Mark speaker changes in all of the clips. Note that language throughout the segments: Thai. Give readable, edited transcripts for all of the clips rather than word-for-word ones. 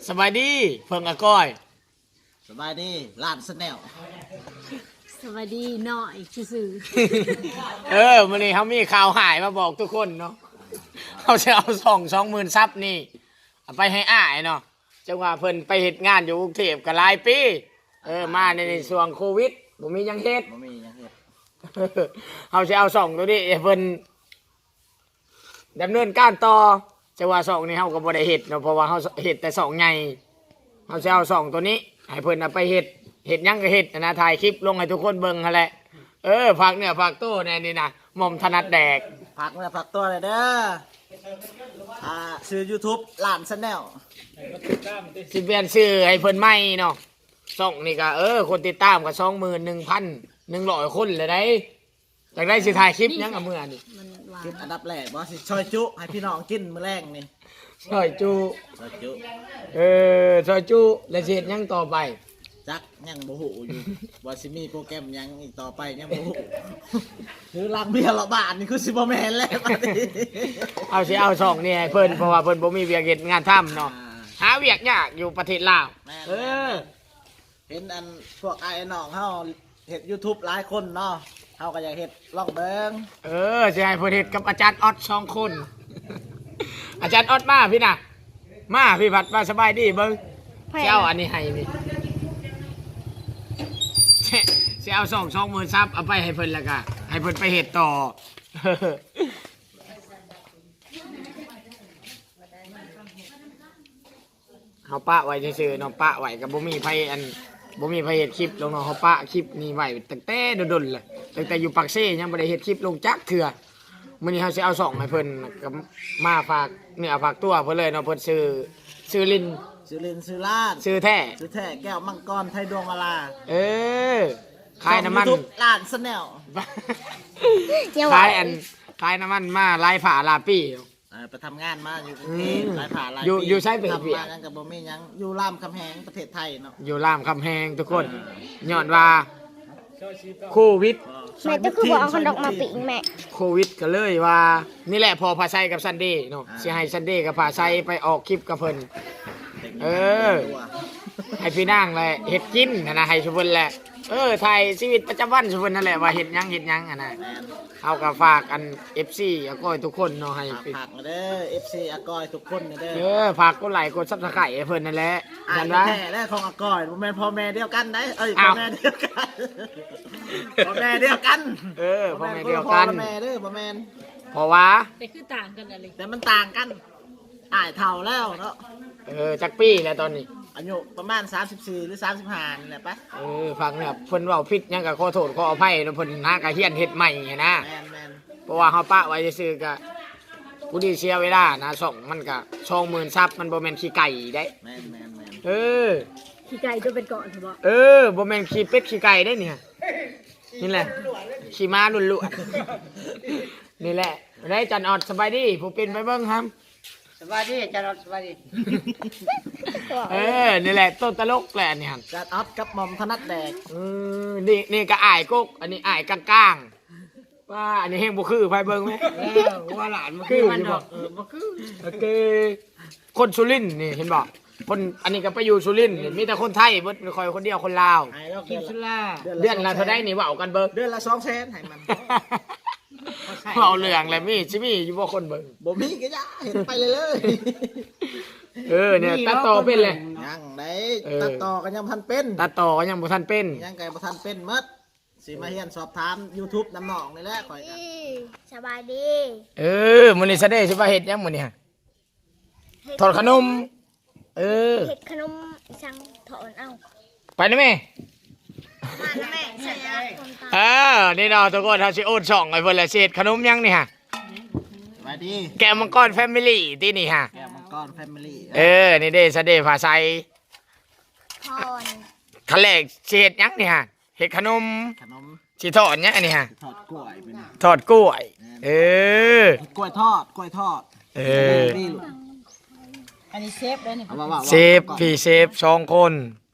Speaker 1: สบายดีเพิ่งอาก้อย
Speaker 2: สบายดีล้านสแนล
Speaker 3: สวัสดีหน่อยซื่อ
Speaker 1: วันนี้เขามีข่าวหายมาบอกทุกคนเนาะเขาจะเอา20,000 ซับนี่เอาไปให้อ้ายเนาะจังว่าเพิ่นไปเฮ็ดงานอยู่กรุงเทพก็หลายปีมาในช่วงโควิดบ่มีหยังเฮ็ด
Speaker 2: บ่มีหยังเฮ็ด
Speaker 1: เขาจะเอา2ตัวนี้ให้เพิ่นดำเนินการต่อจังว่า2นี่เฮาก็บ่ได้เฮ็ดเนาะเพราะว่าเฮาเฮ็ดแต่2ใหญ่เฮาจะเอา2ตัวนี้ให้เพิ่นเอาไปเฮ็ดหยังก็เฮ็ดนะถ่ายคลิปลงให้ทุกคนเบิ่งหั่นแหละฝากเนื้อฝากตัวแน่นี่นะหม่อมถนัดแดก
Speaker 2: ผักเนื้อผักตัวเลยเด้อชื่อ YouTube ล้านสแนล
Speaker 1: สิเปลี่ยนชื่อให้เพิ่นใหม่เนาะช่องนี่ก็คนติดตามก็21,100 คนเลยได้จากได้สิถ่ายคลิปหยังกับมื้อนี่
Speaker 3: มันหวา
Speaker 2: คลิ
Speaker 3: น
Speaker 2: ปอันดับแรกบ่สิซอยจุให้พี่น้องกินมื้อแรงนี่
Speaker 1: ซอยจุ
Speaker 2: ซอยจุ
Speaker 1: ซอยจุแล้วสิเฮ็ดหยังต่อไป
Speaker 2: จักยังบ่ฮู้อยู่ว่าสิมีโปรแกรมหยังอีกต่อไปยังบ่ฮู้หรือล้างเบียร์ละบาทนี่คือสิบ่แม่นแล้วบัดนี้
Speaker 1: เอาช่องนี่ให้เพิ่นเพราะว่าเพิ่นบ่มีเวียกเฮ็ดงานทำเนาะหาเวียกยากอยู่ประเทศลาว
Speaker 2: เห็นอันพวกไอ้น้องเฮาเฮ็ด YouTube หลายคนเนาะเฮาก็อยากเฮ็ดลองเบิ่ง
Speaker 1: สิให้เพิ่นเฮ็ดกับอาจารย์ออด2 คนอาจารย์ออดมาพี่น่ะมาพี่ผัดมาสบายดีเบิ่งสิเอาอันนี้ให้นี่สิเอา20,000 ซับเอาไปให้เพิ่นแล้วก็ให้เพิ่นไปเฮ็ดต่อเฮาปะไว้ซื่อๆเนาะปะไว้ก็บ่มีไผเฮ็ดคลิปลงเนาะเฮาปะคลิปนี้ไว้ตั้งแต่ดนๆเลยตั้งแต่อยู่ปากเซ่ยังบ่ได้เฮ็ดคลิปลงจักเทื่อมื้อนี้เฮาสิเอา2ให้เพิ่นก็มาฝากเนื้อฝากตัวเพิ่นเลยเนาะเพิ่นชื่อลิน
Speaker 2: ซื้อลาด
Speaker 1: ชื่อแท้
Speaker 2: แก้วมังกรไทยดวงมาลา
Speaker 1: ขายน้ำมัน
Speaker 2: ล้านสแนล
Speaker 1: ขายน้ำมันมาลายผ่าลาปี้
Speaker 2: ไปทำงานมาอยู่กรุงเทพหลายผ่าหลายปี
Speaker 1: อยู่ใช้เป็น
Speaker 2: ทำมายังกับบ่มียังอยู่รามคำแหงประเทศไทยเนาะ
Speaker 1: อยู่รามคำแหงทุกคนย้อนว่าโควิด
Speaker 3: แม่ก็คือบอกเอาขนมมาปิงแม่
Speaker 1: โควิดก็เลยว่านี่แหละพอพาไซกับซันเดย์เนาะสิให้ซันเดย์กับพาไซไปออกคลิปกับเพิ่นให้พี่นางแหละเฮ็ดกินนะให้ชุเพิ่นแหละถ่ายชีวิตประจำวันชุเพิ่นนั่นแหละว่าเฮ็ดหยังนะเอาก็ฝากอัน FC อาก้อยทุกคนเนาะให้
Speaker 2: ฝากเด้อ FC อาก้อยทุกคนเด้อ
Speaker 1: ฝากกดไลค์กด Subscribe ให้เพิ่นนั่นแหละ
Speaker 2: นั่นว่าแท้และของอาก้อยบ่แม่นพ่อแม่เดียวกันได้พ่อแม่เดียวกันพ่อแม่เดียวกัน
Speaker 1: พ่อแม่เดียวกัน
Speaker 2: พ่อแม่เด้อบ่แม่น
Speaker 1: เพราะว่า
Speaker 3: แต่คือต่างกันอะไร
Speaker 2: แต่มันต่างกันอ้ายเฒ่าแล้วเนาะ
Speaker 1: จักปีแล้วตอนนี้
Speaker 2: อายุประมาณ34หรือ35นี่แหละปะ
Speaker 1: ฟังเนี่ยเพิ่นเว้าผิดหยังก็ขอโทษขออภัยเนาะเพิ่นหากะเฮียนเฮ็ดใหม่นะ
Speaker 2: แม่น
Speaker 1: เพราะว่าเฮาปะไว้ซื่อๆก็ผู้ดีเสียเวลานะ2มันก็20,000 ซับมันบ่แม่นขี้ไก่ได้
Speaker 2: แม่น
Speaker 3: ขี้ไก่จะเป็นเกาะใช่บ่
Speaker 1: บ่แม่นขี้เป็ดขี้ไก่ได้เนี่ยนี่แหละขี้ม้าล้วนๆนี่แหละได้จันออดสบายดีผู้เป็นไปเบิ่งครับ
Speaker 4: สวัสดีจันทร์สวัสดี
Speaker 1: นี่แหละต้นตลกแหละนี่ฮะ
Speaker 2: จัดออดกับหม่อมถนัดแดก
Speaker 1: นี่ก็อ้ายกกอันนี้อ้ายกลางๆว่าอันนี้เฮงบ่คือไผเบิ่งไหม
Speaker 4: ว่าหลานมันคือมันบ่คือ
Speaker 1: โอเคคนสุรินทร์นี่เห็นบ่คนอันนี้ก็ไปอยู่สุรินทร์มีแต่คนไทยเบิดคอยคนเดียวคนลาว
Speaker 4: กินสุรา
Speaker 1: เดือนละเท่าใดนี่เว้ากันเบิ่ง
Speaker 2: เดือนละ200,000ให้มัน
Speaker 1: เอาเรื่องแล้วสิมีอยู่บ่คนเบิ่ง
Speaker 2: บ่มีก็อย่าเห็นไปเลย
Speaker 1: เนี่ยตัดต่อเป็นเลย
Speaker 2: ยังได้ตัดต่อก็ยังบ่ทันเป็น
Speaker 1: ตัดต่อก็ยังบ่ทันเป็น
Speaker 2: ยังก็บ่ทันเป็นหมดสิมาเฮียนสอบถาม YouTube น้ำหนองนี่แหละข่อยกัน
Speaker 3: สบายดี
Speaker 1: มื้อนี้ซะเด้สิว่าเฮ็ดหยังมื้อนี้ฮะทอดขนม
Speaker 3: เฮ็ดขนมสั่งถอนเอา
Speaker 1: ไปนะแม่
Speaker 3: มานะแม่ใส่
Speaker 1: นี่เนาะทุกคนเฮาสิโอนช่องให้เพิ่นแล้วสิเฮ็ดขนมหยังนี่ฮะ
Speaker 2: สวัสดี
Speaker 1: แกมังกรแฟมิลี่ที่นี่ฮะ
Speaker 2: แกมังกรแฟมิลี่
Speaker 1: นี่เด้ซะเด้ภาษา
Speaker 3: ถอน
Speaker 1: คันแรกสิเฮ็ดหยังนี่ฮะเฮ็ดขนมสิทอดหยังอันนี้ฮะ
Speaker 2: ทอดกล้วย
Speaker 1: ทอดกล้วย
Speaker 2: กล้วยทอด
Speaker 4: อันนี้เชฟเลยนี่
Speaker 1: เชฟพี่เชฟ2 คน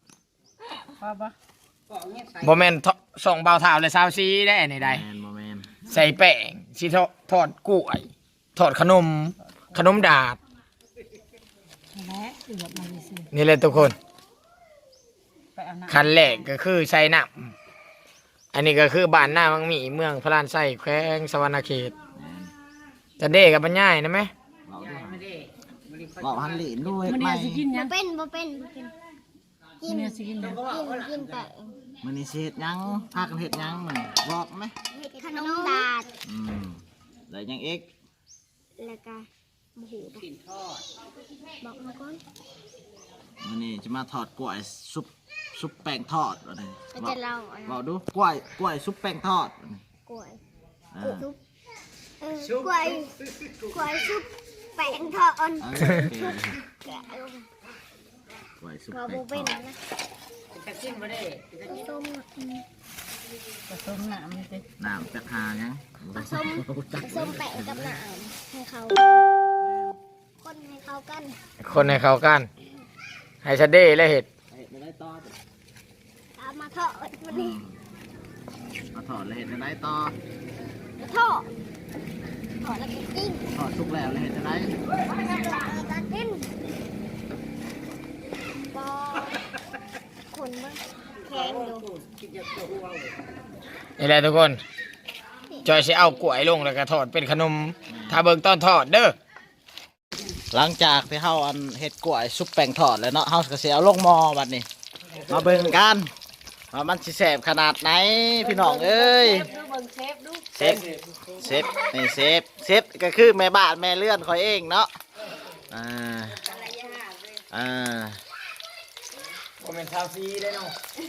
Speaker 1: บ่แม่น2 บ่าวเฒ่าเลย24ได้อันนี้ได้
Speaker 2: บ่แม่น
Speaker 1: ใส่แป้งสิทอดกล้วยทอดขนมดาด
Speaker 4: และเอือบมาสิ
Speaker 1: นี่เลยทุกคน
Speaker 4: ไปเอาน้ำ
Speaker 1: คันแรกก็คือใส่น้ำอันนี้ก็คือบ้านหน้ามังมีเมืองพระลานไส้แขวงสวรรณเขตจะเด้กับบรรยายนะไหม
Speaker 2: เราด้วย
Speaker 4: ไม่ได้ไม่ได้
Speaker 2: บอกหันหลีนด้วย
Speaker 4: มัน
Speaker 2: ไม่
Speaker 4: เนี่ยสิกินยัง
Speaker 3: บ่เป็นกิน
Speaker 4: เนี่ยสิกินยัง
Speaker 3: กินแต่
Speaker 2: มันนี่เฮ็ดหยังพากันเฮ็ดหยังมันบอกไหม
Speaker 3: เห็ดขนมดาด
Speaker 2: แล้วยังเอ็ก
Speaker 3: แล้วก็หมู
Speaker 4: กินทอด
Speaker 3: บอกมาก่อน
Speaker 2: มันนี่จะมาทอดกล้วยซุปแป้งทอดอะไร
Speaker 3: เราจะเล่าอะไร
Speaker 2: บอกดูกล้วยซุปแป้งทอด
Speaker 3: กล้วย
Speaker 2: อ่า
Speaker 3: ซุปกล้วยซุปแป้งทอด
Speaker 2: โอเค
Speaker 3: แกะลง
Speaker 2: กล้วยซุป
Speaker 3: เรา
Speaker 2: แป้
Speaker 3: โบ
Speaker 2: งท
Speaker 3: เป็
Speaker 2: อน ด
Speaker 3: นะ
Speaker 4: จะกินไม่ได้
Speaker 3: ต้ม
Speaker 4: ผสมน้ำนี่สิ
Speaker 2: น้ำจากหายัง
Speaker 3: ผสมแป้งกับน้ำให้เขาคนให้เขากัน
Speaker 1: คนให้เขากัน ให้ชะเด้และเห็ด
Speaker 2: ไม่ได้ต่อ
Speaker 3: ตามมาทอดวันนี้
Speaker 2: มาถอดเลยเห็ดจะได้ต่อ
Speaker 3: ทอดแล้วก็กิ้ง
Speaker 2: ถอดทุกแล้วเลยเห็ดจะได้
Speaker 3: แล้วก็กินบอคนมันแข็งอยู่
Speaker 1: นี่แหละทุกคนจอยสิเอากล้วยลงแล้วก็ทอดเป็นขนม ถ้าเบิ่งตอนทอดเด้อ
Speaker 2: หลังจากที่เฮาอันเห็ดกล้วยซุปแป้งทอดแล้วเนาะเฮาก็สิเอาลงหม้อบัดนี้ มาเบิ่งกันว่ามันสิแซ่บขนาดไหนพี่น้องเอ้ย
Speaker 4: ดูเบิ่งเชฟดู
Speaker 2: เซฟนี่เซฟก็คือแม่บ้านแม่เลื่อนคอยเองเนาะอ่า
Speaker 1: บ่แม่นชาวซีได้เนาะ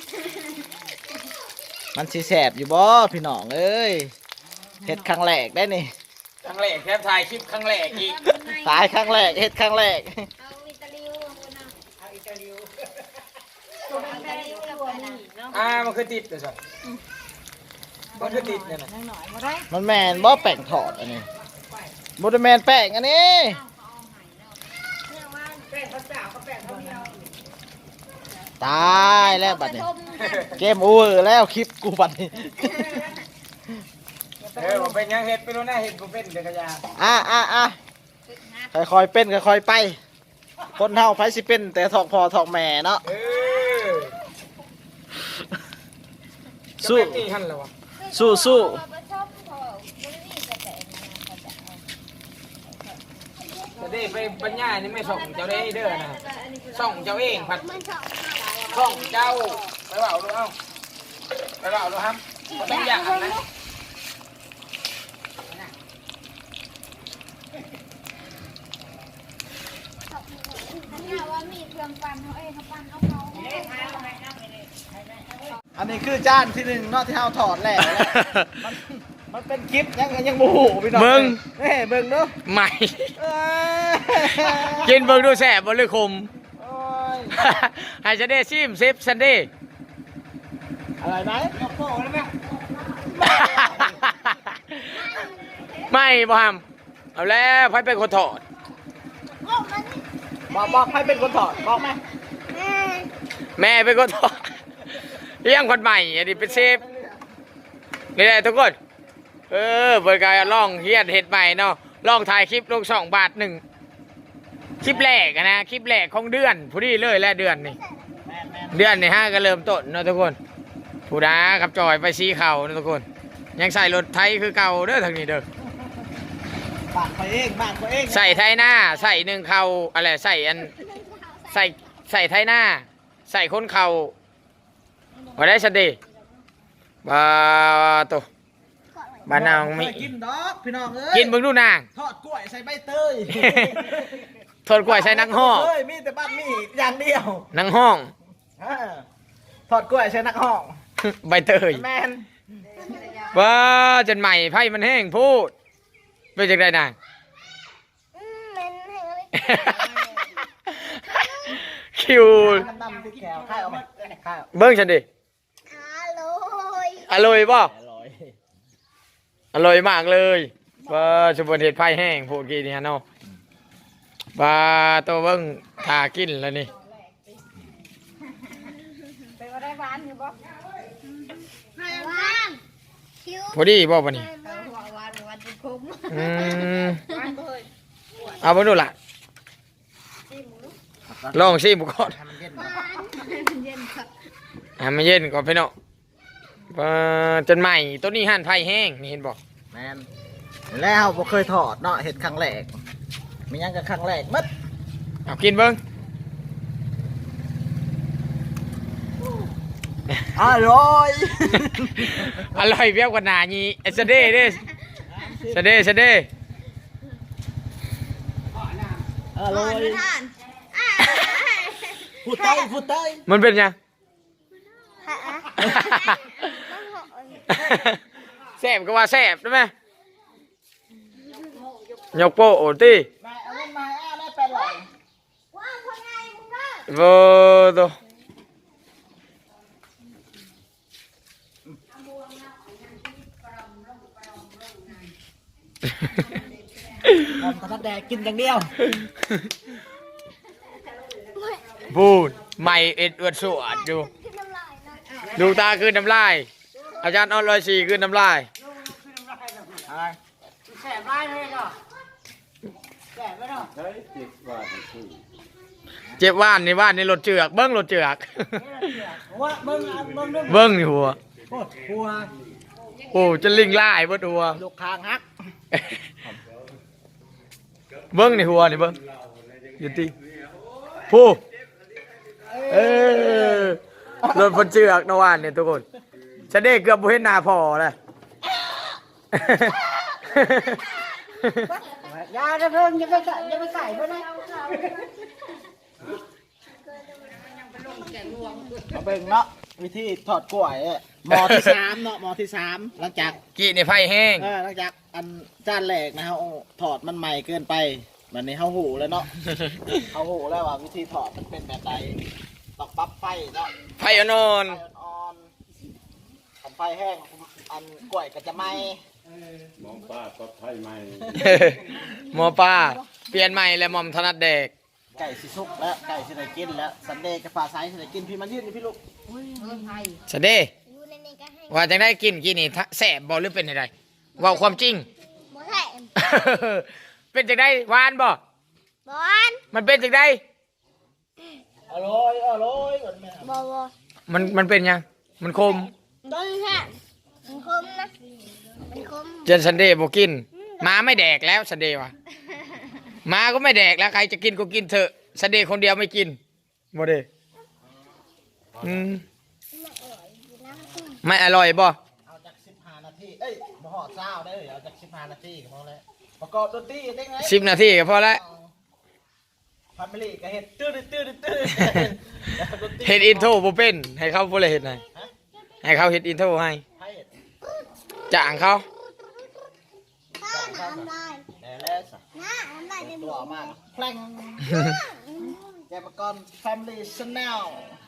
Speaker 2: มันสิแสบอยู่บ่พี่น้องเอ้ยเฮ็ดครั้งแรกได้นี่
Speaker 1: ครั้งแรกแทบถ่ายคลิปครั้งแรกอีก
Speaker 2: ตายครั้งแรกเฮ็ดครั้งแรก
Speaker 3: เอาอิตาลีคนน่ะ
Speaker 4: เอาอิตาลี
Speaker 3: ตัวอิตาลีแล้วกันนะ
Speaker 1: มันคือติดเลยสิมันคือติดเนี่ยนะ
Speaker 4: หน่อยมาได้
Speaker 2: มันแม่นบ่แป้งทอดอันนี้บ่ได้แม่นแป้งอันนี้
Speaker 4: แป้งข้าวเจ้าก็แป้งข้าวเหนียว
Speaker 2: ตายแล้วบัดนี้เกมโอเวอร์แล้วคลิปกูบัดนี้
Speaker 1: ผมเป็นยังเห็ดไปรู้นะเห็ดผมเป็นเด็กยา
Speaker 2: อ่ะค่อยๆเป็นค่อยๆไป คนเฮาไผสิเป็นแต่ทอกพ่อทอกแม่เนาะสู้
Speaker 1: นี่หันแล้ววะ
Speaker 2: สู้
Speaker 1: จะได้ไปบรรยายนี่ไม่ส่งเจ้าได้เด้อนะส่งเจ้าเองผัด
Speaker 3: มันชอบ
Speaker 1: ส่งเจ้าไปเปล่าดูเอ้าไปเปล่าดูครับมันต้องอย่างนะ
Speaker 3: ว่ามีเครื่องปั่นเขาเขาปั่นเอาเขา
Speaker 2: อันนี้คือจานที่หนึ่งเนาะที่เฮาถอดแล้วมันเป็นคลิปยังบ่ฮู้พี่น้องเฮ้เบิ่งดู
Speaker 1: ใหม่
Speaker 2: เอ้ย
Speaker 1: กินเบิ่งดูแสบบ่เลยคม
Speaker 2: โอ้ย
Speaker 1: ให้ฉันได้ซิมเซฟฉันได้
Speaker 2: อะไรไหม
Speaker 4: โป้แล้วไหม
Speaker 1: ไม่บ่ฮัมเอาแล้วไผเป็นคนถอด
Speaker 2: บอกให้เป็นคนถอดบอกไหม
Speaker 1: แม่เป็นคนถอดเลี้ยงคนใหม่อันนี้เป็นเซฟนี่แหละทุกคนเปิดการลองเฮียนเห็ดใหม่เนาะลองถ่ายคลิปลง2 บาท 1คลิปแรกอะนะคลิปแรกของเดือนผู้ดีเลยและเดือนนี่เดือนนี่ก็เริ่มต้นเนาะทุกคนผู้ดาขับจอยไปซีเข่าเนาะทุกคนยังใส่รถไทยคือเก่าเด้อทางนี้เด้อ
Speaker 2: บ้านตัวเองบ้านตัวเอง
Speaker 1: ใส่ไทยหน้าใส่1 เข่าอะไรใส่อันใส่ไทยหน้า ใส่คนเข่าว่าได้สดีบาตัวบ้านนางมี
Speaker 2: กินดอกพี่น้องเอ้ย
Speaker 1: กินเบิ่งดูนาง
Speaker 2: ทอดกล้วยใส่ใบเตย
Speaker 1: ทนกล้วยใส่นังห้อง
Speaker 2: เฮ้ยมีแต่บ้านมีอย่างเดียว
Speaker 1: นังห้อง
Speaker 2: ทอดกล้วยใส่นักห้อง
Speaker 1: ใบเตย
Speaker 2: แมน
Speaker 1: ว้าจนใหม่ไพ่มันแห้งพูดเป็นจังไดนาง
Speaker 3: เม้นให้เลย
Speaker 1: คิว
Speaker 2: ดำๆที่แขวข้าวเอาไหมข้าว
Speaker 1: เบิ้งฉันดิ
Speaker 3: อร่อย
Speaker 1: อร่อยป่ะ
Speaker 2: อร่อย
Speaker 1: อร่อยมากเลยว่าสมบูรณ์เห็ดไพ่แห้งพูดกี่นี่ฮะเนาะว่าตัวเบิ้งทากินแล้วนี่
Speaker 4: ไปว่าได้หวานอยู่บ่
Speaker 3: หวานคิ้ว
Speaker 1: พอดีบ่ปะนี่
Speaker 4: หวานจนคุ้ม
Speaker 1: อืม
Speaker 4: หวานเลย
Speaker 1: เอาไปดูล่ะลองชิมก่อน
Speaker 2: ให้มันเย็น
Speaker 3: หวาน
Speaker 1: มันเย็นก่อนพี่น้องจนใหม่ตัวนี้หั่นไผ่แห้งนี่เห็นบ่
Speaker 2: แมนแล้วบ่เคยถอดเนาะเห็ดครั้งแรกมีหยังกับครั้งแรกมัด
Speaker 1: เอากินเบิ่ง
Speaker 2: อร่อย
Speaker 1: อร่อยเบี้ยวกว่าหนานี่ไอ้สะเด้เด้สะเด้สะเด้
Speaker 2: อร่อย
Speaker 3: ทาน
Speaker 2: พูดใต้พูดใต้
Speaker 1: มันเป็นยัง
Speaker 3: ฮะ
Speaker 1: แซ่บก็ว่าแซ่บได้ไหมยกโป้โอตี
Speaker 2: มาเอาเงินมาได้เป็นไร
Speaker 3: ว้าวคนไงมึงก็
Speaker 1: โวโต
Speaker 2: ผมกระทัดแดกกินอย่างเดียว
Speaker 1: พูดไม่เอ็ดอวดสวดดู
Speaker 3: ขึ้นน้ำลายนะ
Speaker 1: ดูตาคืนน้ำลายอาจารย์ออนร้อยสี่คืนน้ำลาย
Speaker 2: อะไร
Speaker 4: แสบได้เลยเนาะแสบไม่เนาะ
Speaker 1: เจ็บว่านในว่านในรถเจือกเบิ้งรถเจือก
Speaker 2: ว่าเบิ้งเบิ้งเบิ้ง
Speaker 1: เบิ้งนี่หัว
Speaker 2: โคตรหัว
Speaker 1: โอ้จะลิงไล่เบิ้หัว
Speaker 2: ลูกคางฮัก
Speaker 1: เบิ้งนี่หัวนี่เบิ้งอยู่ที่ผู้เออรถพนเจือกนะว่านเนี่ยทุกคนฉันได้เกือบบ่เห็นหน้าพอเลย
Speaker 4: ยาจะเพิ่งจะไปใส่เพื่อนนะ
Speaker 2: มาเบิ้งเนาะวิธีถอดกล้วยหมอที่สามเนาะหมอที่สามหลังจาก
Speaker 1: กี่ในไฟแห้ง
Speaker 2: หลังจากอันจานแรกนะฮะถอดมันใหม่เกินไปมันนี้เฮาหูแล้วเนาะ เฮาหูแล้วว่าวิธีถอดมันเป็นแบบใดต้องปรับไฟเนาะ
Speaker 1: ไฟอ่อน
Speaker 2: ไฟอ่อนๆทำไฟแห้งอันกล้วยก็จะไหม้
Speaker 5: มองป้าก็ไทยใหม่
Speaker 1: ๆหมอป้าเปลี่ยนใหม่แล้วหมอมถนัดเด็ก
Speaker 2: ไก่สิสุกแล้วไก่สิได้กินแล้วสันเดย์กับปลาไซส์สิได้กินพี่มันยืนนี่พี่ลูก
Speaker 1: สะเด้
Speaker 3: อยู่ในนี้ก็ให้
Speaker 1: ว่าจะได้กินกี่นี่แสบบอหรือเป็นอะไรว่าความจริง
Speaker 3: บ่ให้
Speaker 1: เป็นจังได้หวานบ่
Speaker 3: บอน
Speaker 1: มันเป็นจังได้
Speaker 2: อร่อยอร่อยเหมือนแม่
Speaker 3: บ่บ่
Speaker 1: มันเป็นยังมันคม
Speaker 3: ต้นแค่มันคมนะมันคม
Speaker 1: เจนซันเดย์บอกกินหมาไม่แดกแล้วซันเดย์วะหมาก็ไม่แดกแล้วใครจะกินก็กินเถอะซันเดย์คนเดียวไม่กินบ่เด้อืมไม่อร่อยบ่
Speaker 2: เอาจาก15 นาทีเอ้ยบ่ฮอดเช้าได้อเอาจาก15 นาทีก็พอแล้วประกอบดนตรีได้ไง
Speaker 1: 10 นาทีก็พอแล้ว
Speaker 2: ฟามิลี่ก็เฮ็ดตื้อตื้อตื้อ
Speaker 1: เฮ็ดอินโทรบ่เป็นให้เขาบ่เลยเฮ็ดให้ให้เขาเฮ็ดอินโทรให้
Speaker 2: ให้เฮ็ด
Speaker 1: จ้างเขา
Speaker 3: ข้าน้ำลาย
Speaker 2: แต่แล้วสะ
Speaker 3: น้ำลายในห
Speaker 2: ตั
Speaker 3: มู
Speaker 2: วมากแพลงแกประกอบแฟมิลี่ชแนล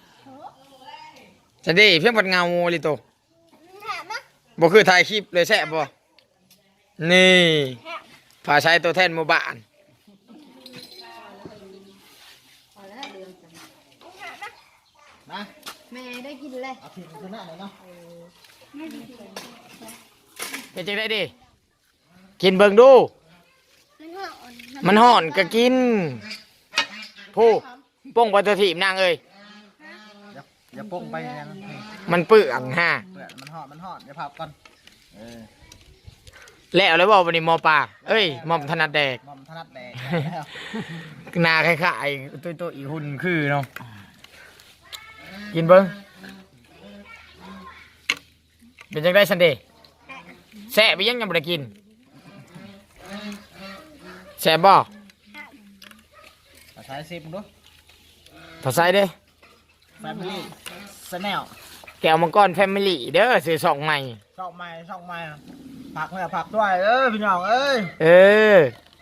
Speaker 1: ซันเดย์เพียงบัดเงาลิโต
Speaker 3: แถมนะ
Speaker 1: บ่คือถ่ายคลิปเลยแซ่บบ่นี่ภาษาตัวแทนหมู่บ้าน
Speaker 2: นะ
Speaker 4: แม่ได้กินเลย
Speaker 2: เอาผิดมันคือหน้าเลยเนาะ
Speaker 1: เป็นจังได้ดิกินเบิ่งดู
Speaker 3: มันห่อน
Speaker 1: มันห่อนก็กินผู้ป้งไปตัวถีบนางเอ้ย
Speaker 2: อย่าโป้งไปนะ
Speaker 1: มันเปื้อนฮะ
Speaker 2: เปื่อนมันหอดอย่าพับก่อนเออ
Speaker 1: แล้วเลยบอกวันนี้หมอปลาเอ้ยหมอมถนัดแดก
Speaker 2: มอมถนัดแดงแล้ว
Speaker 1: หนาคล้ายๆตัวอีหุ่นคือเนาะกินเบิ้งเป็นจังได้ซันเดย์แซ่บไปยังบ่ได้กินแซ่บบ่
Speaker 2: ภาษาซิมดู
Speaker 1: ภาษาเด้
Speaker 2: แฟมิลี่ชแนล
Speaker 1: แก้วมังกรแฟมิลี่เด้อซื้อสองใหม่
Speaker 2: ช่องใหม่ผักเนี่ยผักด้วยพี่น้องเอ้ย
Speaker 1: เออ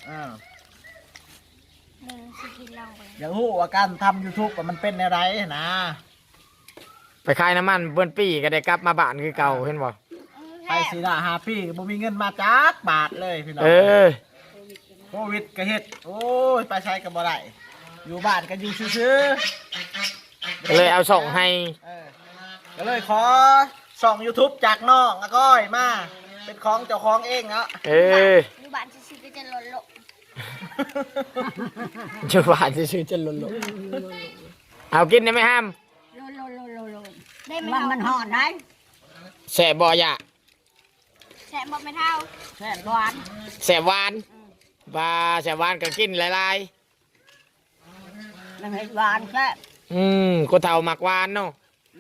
Speaker 3: มึงสิกินเหล้าไป
Speaker 2: อยากรู้ว่าการทำ YouTube ว่ามันเป็นอะไรนะ
Speaker 1: ไปขายน้ำมันเบิ้นปีก็ได้กลับมาบ้านคือเก่าเห็นบ่
Speaker 2: ไปสีดาหาพี่ก็บ่มีเงินมาจักบาทเลยพี่น้อง
Speaker 1: เออ
Speaker 2: โควิดก็เฮ็ดโอ้ยไปใช้ก็บ่ได้อยู่บ้านก็อยู่ซื่อ
Speaker 1: ก็เลยเอาส่งให้
Speaker 2: ๆก็เลยขอส่อง YouTube จากน้องอาก้อยมาเป็นของเจ้าของเองเนาะ
Speaker 1: เออ
Speaker 3: อยู่บ้านสิก็จะหล่น
Speaker 1: จะหวานจะซื้อจะหล่นเอากินได้ไหมห้าม
Speaker 3: ได้ไหม
Speaker 4: มันหอนได้
Speaker 1: แสบบ่อยะ
Speaker 3: แฉะบอกไม่เท่า
Speaker 4: แซ่บหวาน
Speaker 1: แสบหวานปลาแสบหวานก็กินหลาย
Speaker 4: มันเห็ดหวานแซ่บ
Speaker 1: คนเฒ่ามักหวานเนาะ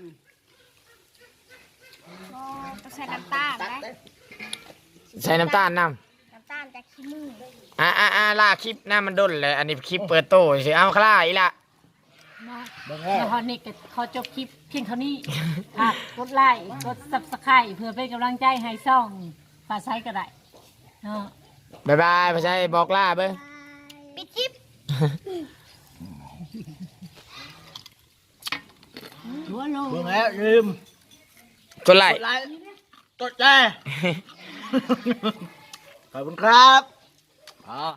Speaker 3: ก็ใส่น้ำตาลนะ
Speaker 1: ใส่น้ำตาลน้
Speaker 3: น้ำตาลจากขี้มือ
Speaker 1: ำลากคลิปหน้ามันด้นเลย อันนี้คลิปเปิดโตสิเอาคล้าอีละ
Speaker 6: แล้วพอนี่ก็ขอจบคลิปเพียงเท่านี้ฝากกดไลค์กด Subscribe เพื่อเป็นกำลังใจให้ซ่องฝาไซก็ได้เนาะ
Speaker 1: บ๊ายบายพ่อชัยบอกลาเบ้อ
Speaker 3: ปิดคลิป
Speaker 4: หัวโล
Speaker 2: เบิ่งแล้วลืม
Speaker 1: กดไล
Speaker 2: ก
Speaker 1: ค์
Speaker 2: ดไลค์กดแชร์ขอบคุณครับอ๋อ